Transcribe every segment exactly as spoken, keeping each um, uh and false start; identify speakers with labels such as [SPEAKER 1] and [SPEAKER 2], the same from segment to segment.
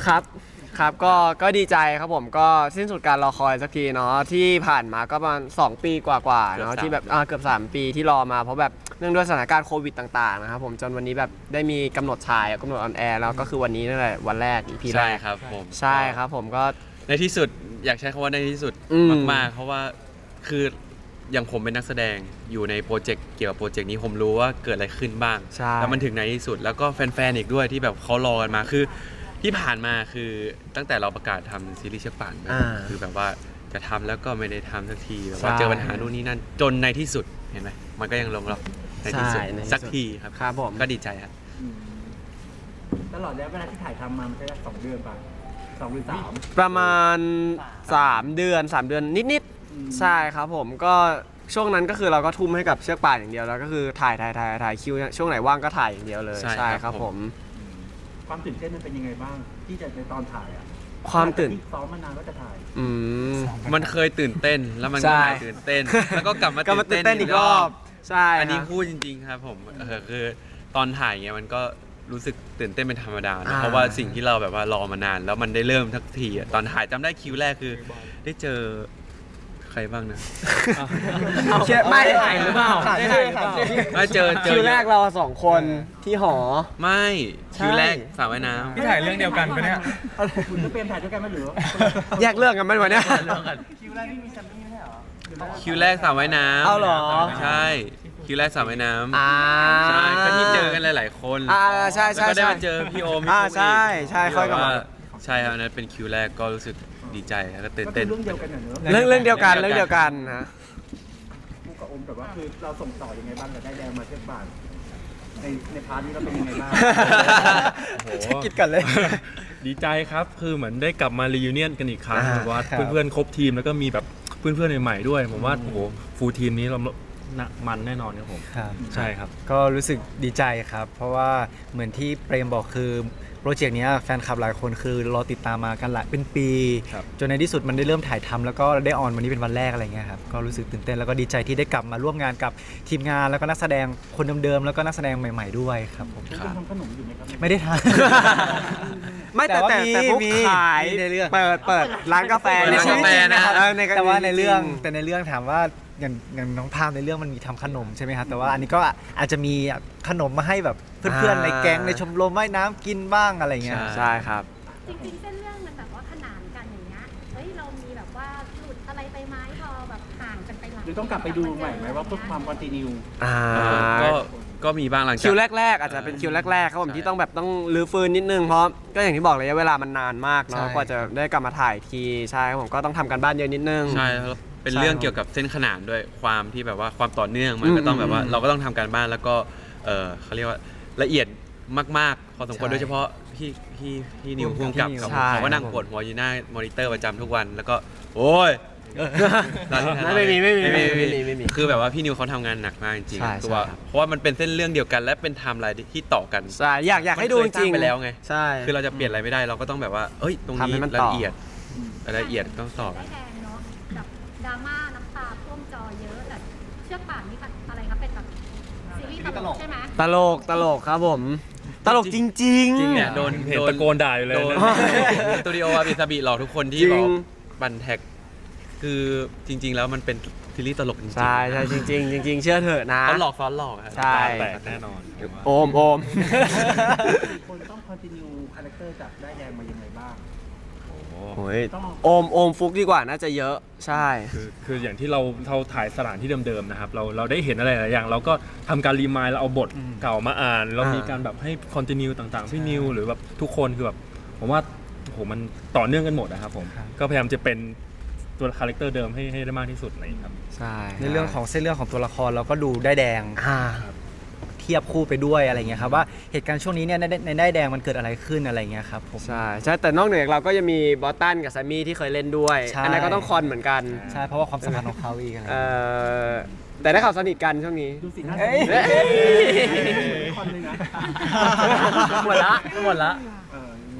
[SPEAKER 1] ครับครับก็ก็ดีใจครับผมก็สิ้นสุดการรอคอยสักทีเนาะที่ผ่านมาก็ประมาณสองปีกว่าๆเนาะที่แบบอ่าเกือบสามปีที่รอมาเพราะแบบเนื่องด้วยสถานการณ์โควิดต่างๆนะครับผมจนวันนี้แบบได้มีกำหนดฉายกำหนดออนแอร์แล้วก็คือวันนี้นั่นแหละวันแรก อี พี แร
[SPEAKER 2] ใช่
[SPEAKER 1] ก
[SPEAKER 2] ครับผม
[SPEAKER 1] ใช่ครับผมก็
[SPEAKER 2] ในที่สุดอยากใช้คำว่าในที่สุด
[SPEAKER 1] อืม
[SPEAKER 2] มากๆเพราะว่าคืออย่างผมเป็นนักแสดงอยู่ในโปรเจกต์เกี่ยวกับโปรเจกต์นี้ผมรู้ว่าเกิดอะไรขึ้นบ้าง
[SPEAKER 1] ใช่
[SPEAKER 2] แล้วมันถึงในที่สุดแล้วก็แฟนๆอีกด้วยที่แบบเขารอกันมาคือที่ผ่านมาคือตั้งแต่เราประกาศทำซีรีส์เชือกป่านมา
[SPEAKER 1] อ่า
[SPEAKER 2] คือแบบว่าจะทำแล้วก็ไม่ได้ทำสักทีแบบว่า
[SPEAKER 1] ใช่
[SPEAKER 2] เจอปัญหานู่นนี่นั่นจนในที่สุดเห็นไหมมันก็ยังลงล็อกในที่สุด
[SPEAKER 1] ใช่ในที่สุด
[SPEAKER 2] สักทีครับ
[SPEAKER 1] ครับผม
[SPEAKER 2] ก็ดีใจครับ
[SPEAKER 3] อืมตลอดระยะเวลาที่ถ่ายทำมามันใช้เวลาสองเดือนป่ะสองหรือสาม
[SPEAKER 1] ประมาณสามเดือนสามเดือนนิด
[SPEAKER 3] อืม
[SPEAKER 1] ๆใช่ครับผมก็ช่วงนั้นก็คือเราก็ทุ่มให้กับเชือกป่านอย่างเดียวแล้วก็คือถ่ายถ่ายถ่ายถ่ายคิวช่วงไหนว่างก็ถ่ายอย่างเดียวเลย
[SPEAKER 2] ใช่
[SPEAKER 1] ใช่
[SPEAKER 2] ค
[SPEAKER 1] ค
[SPEAKER 2] รั
[SPEAKER 1] รั
[SPEAKER 2] บบ ผ
[SPEAKER 1] ผม ม
[SPEAKER 3] ความตื่นเต้นมันเป็นยังไงบ้าง ที่จะในตอนถ่ายอ่ะ
[SPEAKER 1] ความตื่น
[SPEAKER 3] ที่ซ้อมมานานว่าจะถ่าย
[SPEAKER 1] อืม
[SPEAKER 2] มันเคยตื่นเต้นแล้วมัน
[SPEAKER 1] ใช่
[SPEAKER 2] ก็หายตื่นเต้น แล้วก็กลับมา
[SPEAKER 1] ก็มาตื่นเต้นอีกรอบใช่
[SPEAKER 2] อันนี้
[SPEAKER 1] ครับ
[SPEAKER 2] พูดจริงๆครับผมเออคือตอนถ่ายเงี้ยมันก็รู้สึกตื่นเต้นเป็นธรรมดานะ
[SPEAKER 1] อ่า
[SPEAKER 2] เพราะว่าสิ่งที่เราแบบว่ารอมานาน แล้วมันได้เริ่มทักทีอะตอนถ่ายจำได้คิวแรกคือ ได้เจอใครบ้างนะ
[SPEAKER 1] เชื่อไม่
[SPEAKER 4] ได้ถ่ายหรือเปล่าได้ถ่ายหรือเปล่า
[SPEAKER 2] ไม่เจอเจอ
[SPEAKER 1] คิวแรกเราสองคนที่หอ
[SPEAKER 2] ไม่
[SPEAKER 1] ใช่
[SPEAKER 2] คิวแรกสาวว่ายน้
[SPEAKER 4] พี่ถ่ายเรื่องเดียวกันปะเนี่ย
[SPEAKER 3] คุณก็เป็นถ่ายด้วยกันไหมหรือว่า
[SPEAKER 1] แยกเรื่องกันไหมวันเนี้ย
[SPEAKER 3] คิวแรกนี่มีแซมมี่ไม่ใช่เหรอ
[SPEAKER 2] ำคิวแรกสาวว่ายน้ำ
[SPEAKER 1] เอาเหรอ
[SPEAKER 2] ใช่คิวแรกสาวว่ายน้ำ
[SPEAKER 1] อ่า
[SPEAKER 2] ใช่ก็ที่เจอกันหลาย ๆ คน
[SPEAKER 1] อ่าใช่ใช่
[SPEAKER 2] แล้วก็ได้
[SPEAKER 1] ใช่
[SPEAKER 2] มาเจอพี่โอมพี่
[SPEAKER 1] อ่า
[SPEAKER 2] ฟุ๊ก
[SPEAKER 1] ใช่ใช่
[SPEAKER 2] ที่
[SPEAKER 1] ค่อยกลับมา
[SPEAKER 2] แบบว่าใช่ครับอันนั้นเป็นคิวแรกก็รู้สึกดีใจแล้วก็ตื่น
[SPEAKER 3] ก็คื
[SPEAKER 2] เต้
[SPEAKER 3] อน เรื่องเดียวกันเหรอเนอะ
[SPEAKER 1] เรื่องเรื่องเดียวกันเรื่องเดียวกันนะ
[SPEAKER 3] กูกับอมแต่ว่าคือเราส่งต่อยังไงบ้างกับได้แดงมาเทียบบาทในในพาร์ทนี้เราเป็นยังไงบ้าง
[SPEAKER 4] โอ้โห
[SPEAKER 1] คิดกันเลย
[SPEAKER 4] ดีใจครับ คือเหมือนได้กลับมารี u n เนียนกันอีกครั้ง
[SPEAKER 1] อ่า
[SPEAKER 4] แบบว่า
[SPEAKER 1] ครับ
[SPEAKER 4] เพื่อนๆครบทีมแล้วก็มีแบบเพื่อนๆใหม่ๆด้วย ผมว่าโอ้โหฟูลทีมนี้เราหนักมันแน่นอนครับผม
[SPEAKER 5] ครับ
[SPEAKER 4] ใช่ครับ
[SPEAKER 5] ก็รู้สึกดีใจครับ เพราะว่าเหมือนที่เปรมบอกคือโปรเจกต์เนี้ยแฟนคลับหลายคนคือรอติดตามมากันหลายเป็นปี
[SPEAKER 4] ครับ
[SPEAKER 5] จนในที่สุดมันได้เริ่มถ่ายทำแล้วก็ได้ออนวันนี้เป็นวันแรกอะไรเงี้ยครับก็รู้สึกตื่นเต้นแล้วก็ดีใจที่ได้กลับมาร่วมงานกับทีมงานแล้วก็นักแสดงคนเดิมๆแล้วก็นักแสดงใหม่ ๆด้วยครับผม
[SPEAKER 3] คุณทำขนมอยู่ไหมครับ
[SPEAKER 5] ไม่ได้ทาน
[SPEAKER 1] ไม่แต่
[SPEAKER 5] แต่ว่า
[SPEAKER 1] แต่
[SPEAKER 5] มี
[SPEAKER 1] แต่พวก
[SPEAKER 5] มี
[SPEAKER 1] ขาย
[SPEAKER 5] มีในเรื่อง
[SPEAKER 1] เปิดเปิดร้านกาแฟ
[SPEAKER 2] เปิด
[SPEAKER 1] ใน
[SPEAKER 2] ร้าน
[SPEAKER 1] ชีวิต
[SPEAKER 2] กาแฟ
[SPEAKER 1] จริง
[SPEAKER 2] นะ
[SPEAKER 1] นะครับเออใน
[SPEAKER 5] แต่ว่าในเรื่อง
[SPEAKER 1] จ
[SPEAKER 5] แต่ในเรื่องถามว่าอย่างอย่างน้องพามในเรื่องมันมีทำขนมใช่ไหมครับแต่ว่าอันนี้ก็อาจจะมีขนมมาให้แบบเพื่อนๆในแก๊งในชมรมว่ายน้ำกินบ้างอะไรเงี้ย
[SPEAKER 1] ใช่ครับ
[SPEAKER 6] จริงๆเส้นเรื่องมันแบบว่าขนานกันอย่างเงี้ย เฮ้ยเรามีแบบว่าหลุดอะไรไปไหมพอแบบห่างกันไปหลัง
[SPEAKER 3] หรือต้องกลับไปดูใหม่ไหมว่าเพื่อความคอนติเนีย
[SPEAKER 1] อ่า
[SPEAKER 2] ก็ก็มีบ้างหลังจาก
[SPEAKER 1] คิวแรกๆ อาจจะเป็นคิวแรกๆครับผม
[SPEAKER 2] ใช่
[SPEAKER 1] ที่ต้องแบบต้องรื้อฟื้นนิดนึงเพราะก็อย่างที่บอกระยะเวลามันนานมาก
[SPEAKER 5] ใช่
[SPEAKER 1] เนาะกว่าจะได้กลับมาถ่ายทีใช่ครับผมก็ต้องทำกันบ้านเยอะนิดนึง
[SPEAKER 2] ใช่แล้วเป็น
[SPEAKER 1] ใช่
[SPEAKER 2] เรื่องเกี่ยวกับเส้นขนานด้วยความที่แบบว่าความต่อเนื่องมันก็ต้องแบบว่า
[SPEAKER 1] อืม
[SPEAKER 2] เราก็ต้องทำการบ้านแล้วก็เออเขาเรียกว่าละเอียดมากๆ พอสมควร
[SPEAKER 5] ใช่
[SPEAKER 2] โดยเฉพาะพี่พี่พี่นิว
[SPEAKER 5] ร่
[SPEAKER 2] พ่
[SPEAKER 5] ว
[SPEAKER 2] ว
[SPEAKER 5] ม
[SPEAKER 2] ง
[SPEAKER 5] กับ
[SPEAKER 2] กับ
[SPEAKER 5] พี่นิว
[SPEAKER 2] ครับ
[SPEAKER 1] ใช่
[SPEAKER 2] เขาก็นั่งปวดหัวอยู่หน้ามอนิเตอร์ประจำทุกวันแล้วก็โอ้ย
[SPEAKER 1] ไม่มีไม่มี
[SPEAKER 2] ไม่
[SPEAKER 1] ไม่
[SPEAKER 2] มี
[SPEAKER 1] มีไม่มี
[SPEAKER 2] คือแบบว่าพี่นิวเขาทำงานหนักมากจริง
[SPEAKER 1] ใช่
[SPEAKER 2] ๆคือว่า
[SPEAKER 1] ใช่ครับ
[SPEAKER 2] เพราะว่ามันเป็นเส้นเรื่องเดียวกัน และเป็นไทม์ไลน์ที่ต่อกัน
[SPEAKER 1] ใช่อยากอยากให้ดูจ
[SPEAKER 2] มันเคยสร้า
[SPEAKER 1] ริ
[SPEAKER 2] ง
[SPEAKER 1] ง
[SPEAKER 2] ไปแล้วไง
[SPEAKER 1] ใช่
[SPEAKER 2] คือเราจะเปลี่ยนอะไรไม่ได้เราก็ต้องแบบว่าเอ้ยตรง
[SPEAKER 1] ทำให้
[SPEAKER 2] นี้
[SPEAKER 1] มัน
[SPEAKER 2] ละ
[SPEAKER 1] ต่อ
[SPEAKER 2] เอียดรายละเอียดต้องต่อ
[SPEAKER 6] ได้แดงเนาะแบบดราม่าน้ำตาท่วมจอเยอะแต่เชือกป่านนี่อะไรครับเป็นแบบซีรีส์ตลกใช่ไหม
[SPEAKER 1] ตลกตลกครับผม ตลกจริงๆ
[SPEAKER 2] จริงเนี่ยโดน
[SPEAKER 4] เห็น
[SPEAKER 2] โดน
[SPEAKER 4] ตะโกนด่าอยู่เลย
[SPEAKER 2] โดน
[SPEAKER 4] นะ
[SPEAKER 2] สตูดิโอวาบิซาบิหลอกทุกคนที่
[SPEAKER 1] จริง
[SPEAKER 2] บอกบันแท็กคือจริง ๆ แล้วมันเป็นซีรีส์ตลกจริงๆ
[SPEAKER 1] ใช่ใช่จริง ๆ จริง ๆ เชื่อเถอะนะ
[SPEAKER 2] เขาหลอกซ้อนหลอกครับ
[SPEAKER 1] ใช่
[SPEAKER 4] แตกแน่นอนผมว่า
[SPEAKER 1] โอมโอม
[SPEAKER 3] คนต้องคอนติเนียคาแรคเตอร์จากได้แดงมายังไงบ้าง
[SPEAKER 1] โอ้ยโอมโอมฟุกดีกว่าน่าจะเยอะใช่
[SPEAKER 4] คือคืออย่างที่เราเราถ่ายสถานที่เดิมๆนะครับเราเราได้เห็นอะไรหลายอย่าง เราก็ทำการรีมายแล้วเอาบทเก่ามาอ่าน เรามีการแบบให้คอนติเนียต่างๆพี่นิวหรือแบบทุกคนคือแบบผมว่าโหมันต่อเนื่องกันหมดนะครับผมก็พยายามจะเป็นตัวคาแรคเตอร์เดิมให้ให้ได้มากที่สุดนะครับ
[SPEAKER 1] ใช่
[SPEAKER 5] ในเรื่องของเส้นเรื่องของตัวละครเราก็ดูได้แดง
[SPEAKER 1] อ่า
[SPEAKER 5] เทียบคู่ไปด้วยอะไรเงี้ยครับว่าเหตุการณ์ช่วงนี้เนี่ยในในได้ายแดงมันเกิดอะไรขึ้นอะไรเงี้ยครับผม
[SPEAKER 1] ใช่ใช่แต่นอกเหนือจากเราก็ยังมีบอสตันกับแซมมี่ที่เคยเล่นด้วย
[SPEAKER 5] ใช่
[SPEAKER 1] อันนั้นก็ต้องคอนเหมือนกัน
[SPEAKER 5] ใช่เพราะว่าความสัมพันธ์ของเขาอีกอะไร
[SPEAKER 1] เอ
[SPEAKER 5] เงี้ย
[SPEAKER 1] อแต่ได้ข่าวสนิทกันช่วงนี้
[SPEAKER 3] ดูสีหน้า
[SPEAKER 5] เอ้ย
[SPEAKER 3] คอนเลยนะ
[SPEAKER 1] หมดละหมดละ
[SPEAKER 3] เอออะ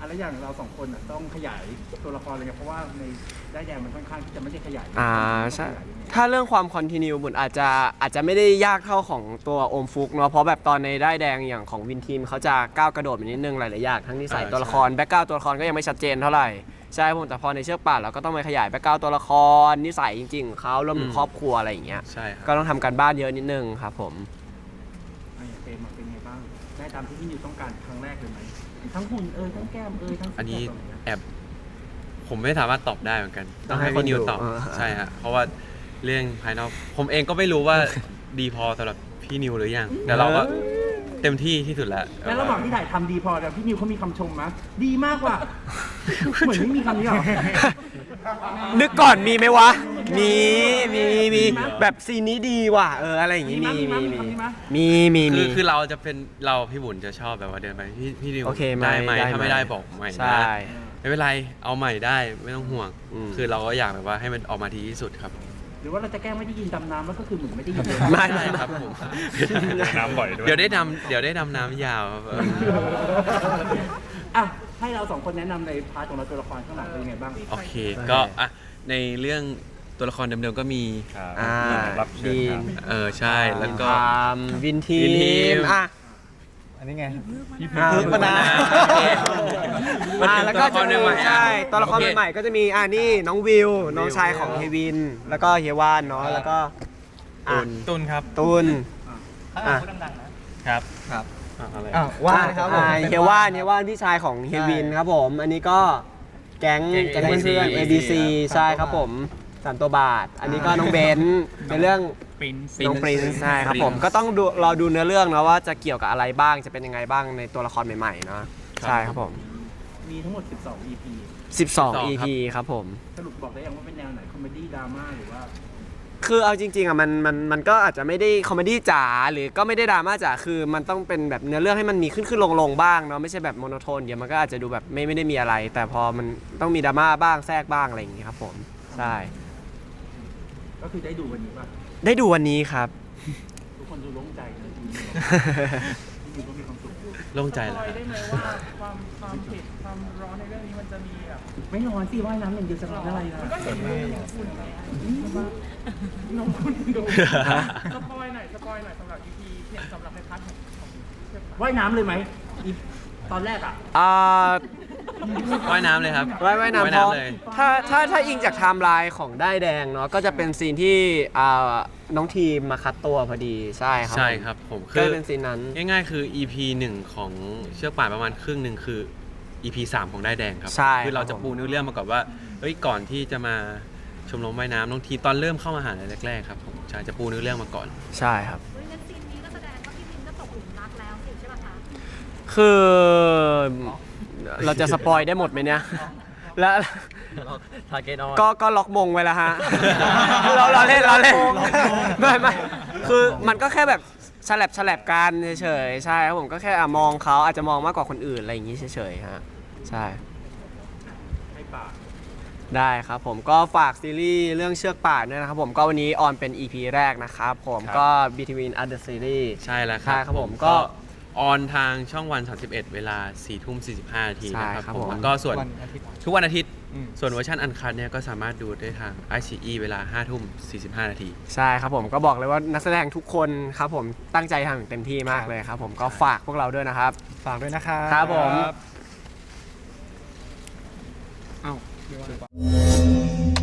[SPEAKER 3] ะแล้วอย่างเราสองคนอ่ะต้องขยายตัวละครอะไรเงี้ยเพราะว่าในได้แดงมันค่อนข้างที่จะไม่ใช่ขยาย
[SPEAKER 1] อ่าใช่
[SPEAKER 3] ต้องขยายยังไง
[SPEAKER 1] ถ้าเรื่องความคอนติเนียบุญอาจจะอาจจะไม่ได้ยากเท่าของตัวโอมฟุกเนาะเพราะแบบตอนในได้ายแดงอย่างของวินทีมเขาจะก้าวกระโดดไปนิดนึงหลายๆอย่างทั้งนิสัย
[SPEAKER 2] อ่า
[SPEAKER 1] ตัวละคร
[SPEAKER 2] ใช่
[SPEAKER 1] แบ็กกราวตัวละครก็ยังไม่ชัดเจนเท่าไหร่ใช่ผมแต่พอในเชือกป่านเราก็ต้องไปขยายแบ็กกราวตัวละครนิสัยจริงๆของเขารวมถึงครอบครัวอะไรอย่างเงี้ย
[SPEAKER 2] ใช่ครับ
[SPEAKER 1] ก็ต้องทำการบ้านเยอะนิดนึงครับผม
[SPEAKER 3] ไอ้เฟรมอะเป็นไงบ้างได้ตามที่พี่นิวต้องการครั้งแรกเลยไหมทั้งหุ่นเอยทั้งแก้มเอยทั้ง
[SPEAKER 2] อันนี้
[SPEAKER 3] แบบเย
[SPEAKER 2] แอบผมไม่สามารถตอบได้เหมือนกัน
[SPEAKER 1] ต้องให้
[SPEAKER 2] พี่นิว
[SPEAKER 1] คนดู
[SPEAKER 2] ตอบ
[SPEAKER 1] เออ
[SPEAKER 2] ใช่ฮะเพราะว่าเรื่องภายนอกผมเองก็ไม่รู้ว่าดีพอสำหรับพี่นิวหรือยังแต่เราก็เต็มที่ที่สุดแล้ว
[SPEAKER 3] แล้วระหว่างที่ถ่ายทำดีพอแต่พี่นิวเขามีคำชมไหมดีมากกว่า เหมือนไม่มีคำนี้หรอ
[SPEAKER 1] นึกก่อนมีไหมวะ มีมีมีแบบซีนนี้ดีว่ะเอออะไรอย่างงี้มี
[SPEAKER 3] มีมั้
[SPEAKER 1] มี
[SPEAKER 3] ยมี
[SPEAKER 1] มี
[SPEAKER 3] มั้ย
[SPEAKER 1] มีมี
[SPEAKER 2] คื
[SPEAKER 1] มี
[SPEAKER 2] อคือเราจะเป็นเราพี่บุญจะชอบแบบว่าเดินไปพี่พี่นิว
[SPEAKER 1] โอเคไหม
[SPEAKER 2] ได้ไหม
[SPEAKER 1] ได้ไหม
[SPEAKER 2] ถ้าไม่ได้บอกใหม่
[SPEAKER 1] ใช่
[SPEAKER 2] นะไม่เป็นไรเอาใหม่ได้ไม่ต้องห่วง
[SPEAKER 1] อืม
[SPEAKER 2] คือเราก็อยากแบบว่าให้มันออกมาดีที่สุดครับ
[SPEAKER 3] หรือว่าเราจะแกล้งไม่ได้ยินดำน้ำแล้วก็คือเหมือนไม่ได้ยินเลย
[SPEAKER 1] ไม่
[SPEAKER 2] ใช่
[SPEAKER 1] ไม่
[SPEAKER 2] ครับผม
[SPEAKER 4] น้ำบ่อยด้วย
[SPEAKER 2] เดี๋ยวได้ดำเดี๋ยวได้ดำน้ำยาวครับเออ
[SPEAKER 3] อ่ะให้เราสองคนแนะนำในพาร์ทของเราตัวละครข้างหลังเป็นยังไงบ้าง
[SPEAKER 2] โอเคก็อ่ะในเรื่องตัวละครเดิมๆก็มี
[SPEAKER 4] ครับ
[SPEAKER 1] อ่า
[SPEAKER 4] รับเชิญ
[SPEAKER 1] ดี
[SPEAKER 4] ครับ
[SPEAKER 2] เออใช่แล้วก็
[SPEAKER 1] ทามวินที
[SPEAKER 2] วินที
[SPEAKER 1] ม
[SPEAKER 2] ม
[SPEAKER 1] อ่ะ
[SPEAKER 5] อันนี้ไง
[SPEAKER 1] อ่า
[SPEAKER 5] พึกมานาว
[SPEAKER 1] อ่าแล้วก็จะมี
[SPEAKER 2] ตัวละครใหม่ๆอ่ะ
[SPEAKER 1] ใช่ตัวละคร
[SPEAKER 2] โอเค
[SPEAKER 1] ใหม่ๆก็จะมีอ่านี่น้องวิวน้องชายของเฮวิน แล้วก็เฮียวานเนาะแล้วก็อ่ะ
[SPEAKER 4] ตุนครับ
[SPEAKER 1] ตุนอ่ะ
[SPEAKER 4] ครับ
[SPEAKER 5] ครับ
[SPEAKER 4] อ่ะอะไร
[SPEAKER 5] อ้าวว่าครับผม
[SPEAKER 1] อ่าเฮียวานเฮียวานพี่ชายของเฮวินครับผม อันนี้ก็แก๊งแก๊งเพื่อนๆ เอ ดี ซี ใช่ครับผมสามตัวบาท อันนี้ก็น้องเบนซ์ในเรื่อง
[SPEAKER 4] ปิน
[SPEAKER 1] น้องปรินซ์ใช่ครับผม
[SPEAKER 2] Prince
[SPEAKER 1] ก็ต้องดูรอดูเนื้อเรื่องเนาะว่าจะเกี่ยวกับอะไรบ้างจะเป็นยังไงบ้างในตัวละครใหม่ๆเนาะใช่ครับผม
[SPEAKER 3] มีทั้งหมดสิบสอง อี พี
[SPEAKER 1] สิบสอง
[SPEAKER 2] ครับ
[SPEAKER 1] อี พี ครับผม
[SPEAKER 3] สรุปบอกได้ยังว่าเป็นแนวไหนคอมเมดี้ดราม่าหรือว่า
[SPEAKER 1] คือเอาจริงๆอ่ะมันมันมันก็อาจจะไม่ได้คอมเมดี้จ๋าหรือก็ไม่ได้ดราม่าจ๋าคือมันต้องเป็นแบบเนื้อเรื่องให้มันมีขึ้นขึ้นลงลงบ้างเนาะไม่ใช่แบบโมโนโทนเดี๋ยวมันก็อาจจะดูแบบไม่ไม่ได้มีอะไร แต่พอมันต้องมีดราม่าบ้างแทรกบ้างอะไรอย่างงี้ครับผมใช่
[SPEAKER 3] ก็คือได้ดูวันนี้ป่ะ
[SPEAKER 1] ได้ดูวันนี้ครับ
[SPEAKER 3] ทุกคนดูโล่งใจนะดูพี่นิวก็มีความสุข
[SPEAKER 2] โล่งใจแล้ว
[SPEAKER 7] ได้ไหมว่าความความเผ็ดความร้อนในเรื่องนี้มันจะมีแบบ
[SPEAKER 3] ไม่นอนสิว่ายน้ำอย่างเดียวจะร้อนอะไรล่ะ
[SPEAKER 7] มันก็เห็นว่ามีน้องคุณไงน้องคุณดูสปอยหน่อยสปอยหน่อยสำหรับ อี พี เห็นสำหรับในพาร์ทของของเชือกป่าน
[SPEAKER 3] ว่ายน้ำเลยไหมอีตอนแรกอ่ะ
[SPEAKER 1] อ่า
[SPEAKER 2] ว่ายน้ำเลยครับ
[SPEAKER 1] ว่ายว่ายน้ำ
[SPEAKER 2] ว่าย
[SPEAKER 1] เพราะ
[SPEAKER 2] น้ำเลย
[SPEAKER 1] ถ้าถ้าถ้าอิงจากไทม์ไลน์ของได้ายแดงเนาะก็จะเป็นซีนที่อ่าน้องทีมมาคัดตัวพอดีใช่ครับ
[SPEAKER 2] ใช่ครับผม
[SPEAKER 1] ก็
[SPEAKER 2] คือ
[SPEAKER 1] เป็นซีนนั้น
[SPEAKER 2] ง่ายๆคือ อี พี หนึ่งของเชือกป่านประมาณครึ่งหนึ่งคือ อี พี สามของได้ายแดงครับ
[SPEAKER 1] ใช่
[SPEAKER 2] คือเราจะ
[SPEAKER 1] ครับผม
[SPEAKER 2] ปูเนื้อเรื่องมาก่อนว่าเอ้ยก่อนที่จะมาชมรมว่ายน้ำน้องทีตอนเริ่มเข้ามหาลัยแรกๆครับผมใช่จะปูเนื้อเรื่องมาก่อน
[SPEAKER 1] ใช่ครับ
[SPEAKER 6] เฮ้ยงั้นซีนนี้ก็แสดงว่าพี่วินก็ตกหลุมรักแล้วสิใช่ป่ะคะ
[SPEAKER 1] คือเราจะสปอยได้หมดไหมเนี่ย แล้วก็ก็ล็อกมงไว้แล้วฮะ เราเราเล่นเราเล่นไม่ไม่คือมันก็แค่แบบฉลับฉลับกันเฉยๆใช่ครับผมก็แค่อ่ะมองเขาอาจจะมองมากกว่าคนอื่นอะไรอย่างงี้เฉยๆฮะใช่
[SPEAKER 3] ให้ปาก
[SPEAKER 1] ได้ครับผมก็ฝากซีรีส์เรื่องเชือกป่านด้วยนะครับผมก็วันนี้ออนเป็น อี พี แรกนะครับผมก็ Between Other Series
[SPEAKER 2] ใช่แล้วค
[SPEAKER 1] ใช่
[SPEAKER 2] รับ
[SPEAKER 1] ครับผมก็
[SPEAKER 2] ออนทางช่องวันสามสิบเอ็ดเวลาสี่ทุ่มสี่สิบห้านาที
[SPEAKER 1] ใช่
[SPEAKER 2] นะครับ
[SPEAKER 1] ครับ
[SPEAKER 2] ผม
[SPEAKER 1] ผม
[SPEAKER 2] แล้วก็ส่วน
[SPEAKER 5] วันอาทิตย์
[SPEAKER 2] ทุกวันอาทิตย์
[SPEAKER 5] อืม
[SPEAKER 2] ส่วนเวอร์ชันอันคัดเนี่ยก็สามารถดูได้ทาง ไอ ซี อี เวลาห้าทุ่มสี่สิบห้านาที
[SPEAKER 1] ใช่ครับผมก็บอกเลยว่านักแสดงทุกคนครับผมตั้งใจทำอย่างเต็มที่มากเลยครับผมก็ฝากพวกเราด้วยนะครับ
[SPEAKER 5] ฝากด้วยนะครับ
[SPEAKER 1] ครับผม
[SPEAKER 5] เอ้า